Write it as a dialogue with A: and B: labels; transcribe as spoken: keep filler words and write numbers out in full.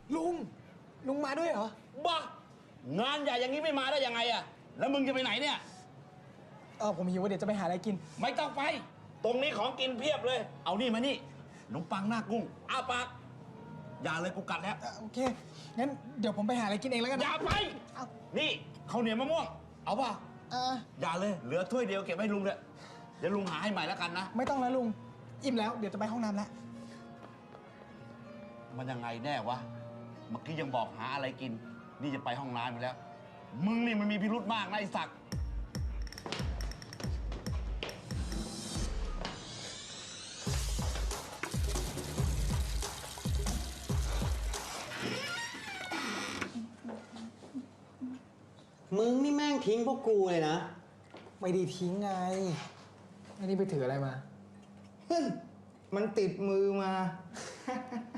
A: ลุงลุงมาด้วยเหรอ
B: บ้างานใหญ่อย่างนี้ไม่มาได้ยังไงอะแล้วมึงจะไปไหนเนี่ย
A: เออผมหิวว่าเดี๋ยวจะไปหาอะไรกิน
B: ไม่ต้องไปตรงนี้ของกินเพียบเลยเอานี่มานี่ขนมปังหน้ากุ้งอ้าปากอย่าเลยกูกัดแล้ว
A: โอเคงั้นเดี๋ยวผมไปหาอะไรกินเองแล้วกัน
B: อย่าไปนี่ข้าวเหนียวมะม่วงเอาป่ะ
A: เออ
B: อย่าเลยเหลือถ้วยเดียวเก็บไว้ลุงเลยเดี๋ยวลุงหาให้ใหม่แล้วกันนะ
A: ไม่ต้องแล้วลุงอิ่มแล้วเดี๋ยวจะไปห้องน้ำแล้ว
B: มันยังไงแน่วะเมื่อกี้ยังบอกหาอะไรกินนี่จะไปห้องน้ำอยู่แล้วมึงนี่มันมีพิรุธมากนะไอ้ศักดิ์
C: มึงนี่แม่งทิ้งพวกกูเลยนะ
A: ไม่ได้ทิ้งไงไม่ได้ไปถืออะไรมา
C: มันติดมือมา